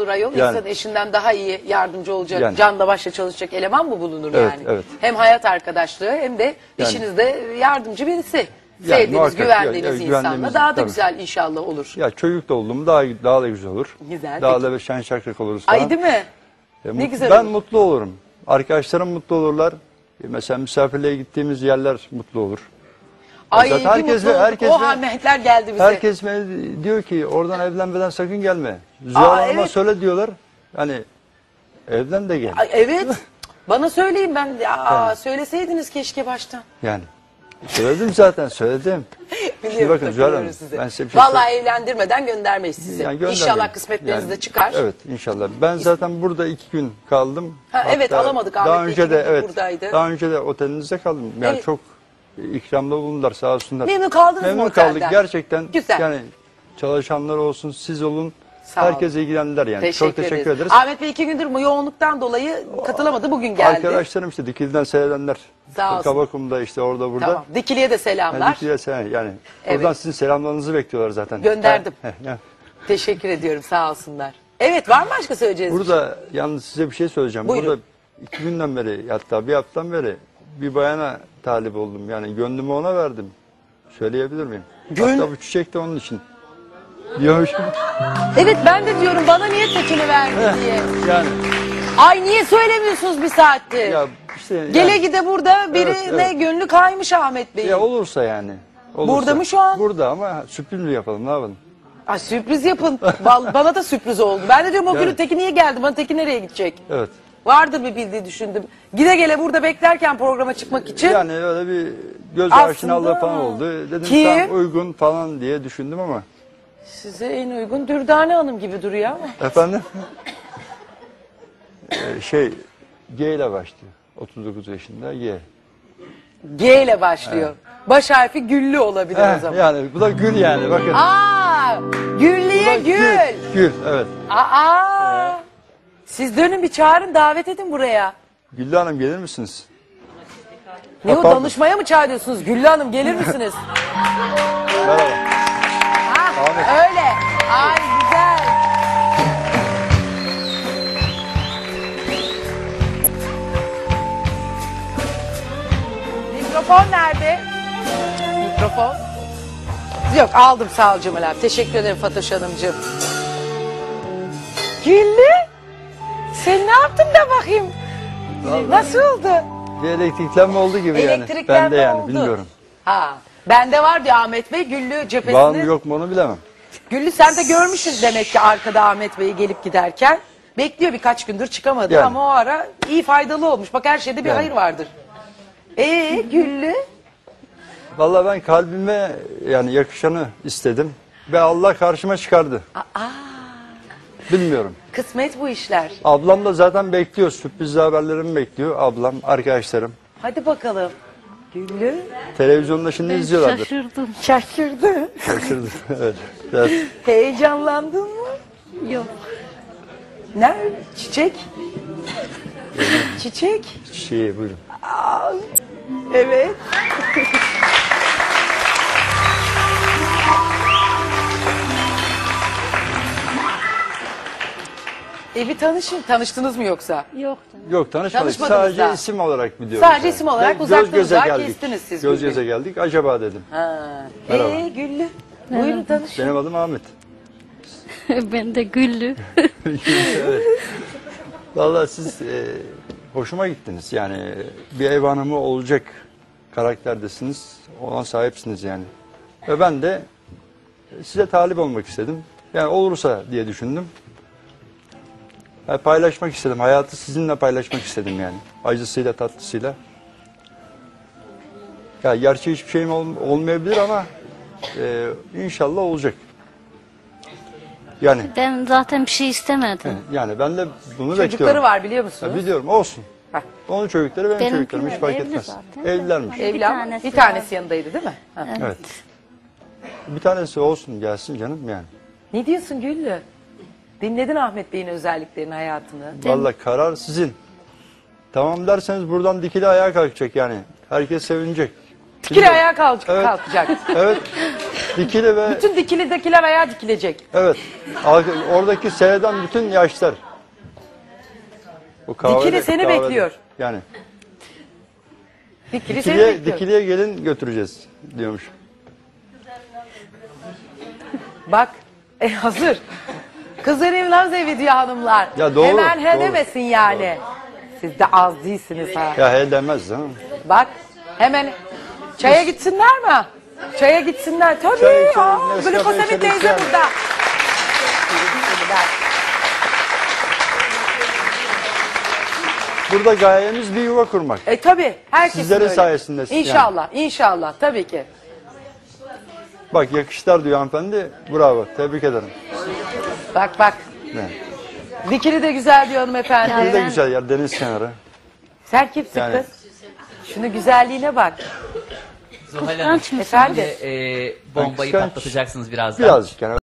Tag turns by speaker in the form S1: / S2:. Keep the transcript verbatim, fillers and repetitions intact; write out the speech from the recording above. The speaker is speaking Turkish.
S1: olur ayol?
S2: Yani.
S1: İnsan eşinden daha iyi yardımcı olacak,
S2: Yani.
S1: canla başla çalışacak eleman mı bulunur
S2: Evet,
S1: yani?
S2: evet.
S1: Hem hayat arkadaşlığı hem de
S2: Yani.
S1: işinizde yardımcı birisi.
S2: Yani
S1: Sevdiğiniz,
S2: muhakkak,
S1: güvendiğiniz
S2: ya- ya-
S1: insanla
S2: güvendiğimiz,
S1: daha da
S2: tabii.
S1: güzel inşallah olur.
S2: Ya çocuk da oldum daha daha da güzel olur.
S1: Güzel,
S2: Daha
S1: peki.
S2: da bir şen şakrak oluruz falan.
S1: Ay değil mi?
S2: E,
S1: Ne
S2: mut-
S1: güzel
S2: Ben
S1: olur.
S2: mutlu olurum. Arkadaşlarım mutlu olurlar. E, mesela misafirliğe gittiğimiz yerler mutlu olur.
S1: Ay
S2: Zaten
S1: bir
S2: herkes
S1: mutlu
S2: ve-
S1: olduk.
S2: herkes
S1: O
S2: ve-
S1: Ahmetler geldi bize.
S2: Herkes bana diyor ki oradan evlenmeden sakın gelme. Zühal
S1: Aa,
S2: Hanım'a
S1: evet.
S2: söyle diyorlar. Hani evlen de gel.
S1: Ay, evet. Bana söyleyin ben. Ya,
S2: Yani.
S1: söyleseydiniz keşke baştan.
S2: Yani. Söyledim zaten söyledim. Şimdi
S1: Biliyorum,
S2: bakın Zühal Hanım,
S1: takılıyorum size.
S2: ben size bir şey
S1: Vallahi evlendirmeden göndermeyiz sizi.
S2: Yani göndermeyin.
S1: İnşallah kısmetleriniz
S2: Yani,
S1: de çıkar.
S2: Evet inşallah. Ben zaten burada iki gün kaldım.
S1: Ha, evet,
S2: Hatta
S1: alamadık.
S2: Daha
S1: Ahmet Bey
S2: önce
S1: iki
S2: de
S1: gündür
S2: evet.
S1: buradaydı.
S2: Daha önce de otelinizde kaldım. Yani
S1: Evet.
S2: çok ikramda bulundular sağ olsunlar.
S1: Memnun kaldınız mı
S2: Memnun
S1: otelden?
S2: kaldık gerçekten.
S1: Güzel.
S2: Yani çalışanlar olsun, siz olun.
S1: Sağ olun.
S2: Herkes ilgilendiler yani.
S1: Teşekkür
S2: çok teşekkür
S1: ederiz.
S2: ederiz.
S1: Ahmet Bey iki gündür bu yoğunluktan dolayı katılamadı. Bugün geldi.
S2: Arkadaşlarım işte Dikili'den seyredenler.
S1: Sağ olsun.
S2: Kabakum'da işte orada burada.
S1: Tamam. Dikili'ye de selamlar.
S2: Yani Dikili'ye selam yani.
S1: Evet.
S2: Oradan sizin selamlarınızı bekliyorlar zaten.
S1: Gönderdim.
S2: Heh, heh.
S1: Teşekkür ediyorum, sağ olsunlar. Evet, var mı başka söyleyeceğiniz?
S2: Burada yalnız size bir şey söyleyeceğim.
S1: Buyurun.
S2: Burada iki günden beri hatta bir haftadan beri bir bayana talip oldum. Yani gönlümü ona verdim. Söyleyebilir miyim?
S1: Gönl-
S2: Hatta bu çiçek de onun için. Diyormuşum.
S1: Evet, ben de diyorum bana niye tekini verdi diye.
S2: Yani
S1: Ay niye söylemiyorsunuz bir saattir?
S2: ya işte yani-
S1: Gele gide burada birine
S2: Evet, evet.
S1: gönlü kaymış Ahmet Bey'in.
S2: ya olursa yani. Olursa.
S1: Burada mı şu an?
S2: Burada ama sürpriz mi yapalım ne yapalım?
S1: Ay sürpriz yapın. Val- bana da sürpriz oldu. Ben de diyorum o
S2: Yani.
S1: günün Teki niye geldi? Bana Teki nereye gidecek?
S2: Evet.
S1: Vardır bir bildiği düşündüm. Gide gele burada beklerken programa çıkmak için.
S2: Yani öyle bir göz
S1: Aslında-
S2: aşinalığı falan oldu. Dedim
S1: Kim?
S2: tam uygun falan diye düşündüm ama.
S1: Size en uygun Dürdane Hanım gibi duruyor ama.
S2: Efendim? Ee, şey G ile başlıyor. otuz dokuz yaşında G.
S1: G ile başlıyor. Baş harfi Güllü olabilir o
S2: Heh,
S1: zaman.
S2: yani bu da gül yani bakın.
S1: Aa,
S2: Bu
S1: Güllü'ye
S2: da
S1: gül.
S2: Gül evet.
S1: Aa. Siz dönün bir çağırın, davet edin buraya.
S2: Güllü Hanım gelir misiniz?
S1: Ne
S2: Ha,
S1: o,
S2: pardon.
S1: danışmaya mı çağırıyorsunuz? Güllü Hanım gelir misiniz?
S2: Merhaba.
S1: Ha,
S2: Ahmet.
S1: öyle. Ay güzel. Mikrofon nerede? Mikrofon. Yok, aldım, sağ ol Cemal abi. Teşekkür ederim Fatoş Hanımcığım. Güllü. Sen ne yaptın da bakayım? Nasıl oldu?
S2: Bir elektriklenme oldu gibi yani.
S1: Elektriklenme
S2: Ben de yani
S1: oldu.
S2: bilmiyorum.
S1: Ha. Bende var diyor Ahmet Bey, Güllü cephesinde.
S2: Var mı yok mu onu bilemem.
S1: Güllü sen de görmüşsün demek ki arkada Ahmet Bey'i gelip giderken. Bekliyor, birkaç gündür çıkamadı
S2: Yani.
S1: ama o ara iyi, faydalı olmuş. Bak her şeyde bir
S2: Yani.
S1: hayır vardır. Ee Güllü?
S2: Vallahi ben kalbime yani yakışanı istedim. Ve Allah karşıma çıkardı.
S1: Aa,
S2: Bilmiyorum.
S1: kısmet bu işler.
S2: Ablam da zaten bekliyor. Sürprizli haberlerimi bekliyor. Ablam, arkadaşlarım.
S1: Hadi bakalım. Güllü?
S2: Televizyonda şimdi izliyorlardır.
S3: Şaşırdım.
S1: Şaşırdı.
S2: Şaşırdı. Evet. Biraz
S1: Heyecanlandın mı?
S3: Yok.
S1: Ne? Çiçek? Çiçek?
S2: şey buyurun.
S1: Aa, evet. E bir tanışın. Tanıştınız mı yoksa?
S3: Yok canım.
S2: Yok tanışmadık.
S1: Tanışmadınız
S2: Sadece
S1: daha.
S2: isim olarak biliyorum.
S1: Sadece isim olarak
S2: Ve
S1: uzaktan
S2: göz göze
S1: uzağa
S2: geldik.
S1: kestiniz siz
S2: Göz
S1: birbirini.
S2: göze geldik. Acaba dedim.
S1: Ha.
S2: Merhaba.
S1: Ee Güllü. Buyurun tanışın.
S2: Benim adım Ahmet.
S3: Ben de Güllü.
S2: Evet. Vallahi siz e, hoşuma gittiniz. Yani bir ev hanımı olacak karakterdesiniz. Ona sahipsiniz yani. Ve ben de size talip olmak istedim. Yani olursa diye düşündüm. Yani paylaşmak istedim. Hayatı sizinle paylaşmak istedim yani. Acısıyla tatlısıyla. Ya gerçi hiçbir şeyim ol- olmayabilir ama e, inşallah olacak. Yani
S3: Ben zaten bir şey istemedim.
S2: yani ben de bunu
S1: Çocukları
S2: bekliyorum.
S1: var biliyor musunuz?
S2: Ya biliyorum olsun.
S1: Heh.
S2: Onun çocukları benim
S3: Benimkiler
S2: çocuklarım hiç fark
S3: evli
S2: etmez.
S3: zaten.
S2: Evlilermiş.
S3: Bir
S1: Evli ama
S3: tanesi
S1: bir tanesi
S3: var.
S1: yanındaydı değil mi? Ha.
S2: Evet. Bir tanesi olsun gelsin canım yani.
S1: Ne diyorsun Güllü? Dinledin Ahmet Bey'in özelliklerini, hayatını.
S2: Vallahi karar sizin. Tamam derseniz buradan dikili ayağa kalkacak yani. Herkes sevinecek.
S1: Dikili ayağa kalk-
S2: Evet.
S1: kalkacak.
S2: Evet. Dikili ve
S1: Bütün dikilidekiler ayağa dikilecek.
S2: evet. al- Oradaki seyreden bütün yaşlar. Bu kahvede-
S1: Dikili seni
S2: kahvede.
S1: bekliyor.
S2: Yani
S1: Dikili seni
S2: dikiliye,
S1: bekliyor.
S2: dikiliye gelin götüreceğiz diyormuş.
S1: Bak e, hazır. Kızların naz evi diyor hanımlar.
S2: Ya doğru,
S1: Hemen he
S2: doğru.
S1: demesin yani. Siz de az değilsiniz ha.
S2: Ya he demez ha.
S1: Bak hemen çaya gitsinler mi? Çaya gitsinler. Tabii
S2: Çay
S1: ya.
S2: içelim, Nescafe
S1: Glukosamin
S2: içelim,
S1: teyze
S2: yani.
S1: burada.
S2: Burada gayemiz bir yuva kurmak.
S1: E tabii. Herkesin
S2: Sizlerin
S1: öyle.
S2: sayesinde yani.
S1: İnşallah. İnşallah. Tabii ki.
S2: Bak yakışlar diyor hanımefendi. Bravo. Tebrik ederim.
S1: Bak bak.
S2: Ne?
S1: Dikili de güzel diyor hanımefendi.
S2: Bir de
S3: Ben-
S2: güzel yer deniz kenarı.
S1: Sen kimsin
S2: Yani-
S1: kız? Şunu güzelliğine bak.
S4: Zuhal Hanım,
S3: Kıskanç mısın?
S1: Efendim?
S4: şimdi e, bombayı
S2: Kıskanç.
S4: patlatacaksınız birazdan.
S2: Birazcık yani.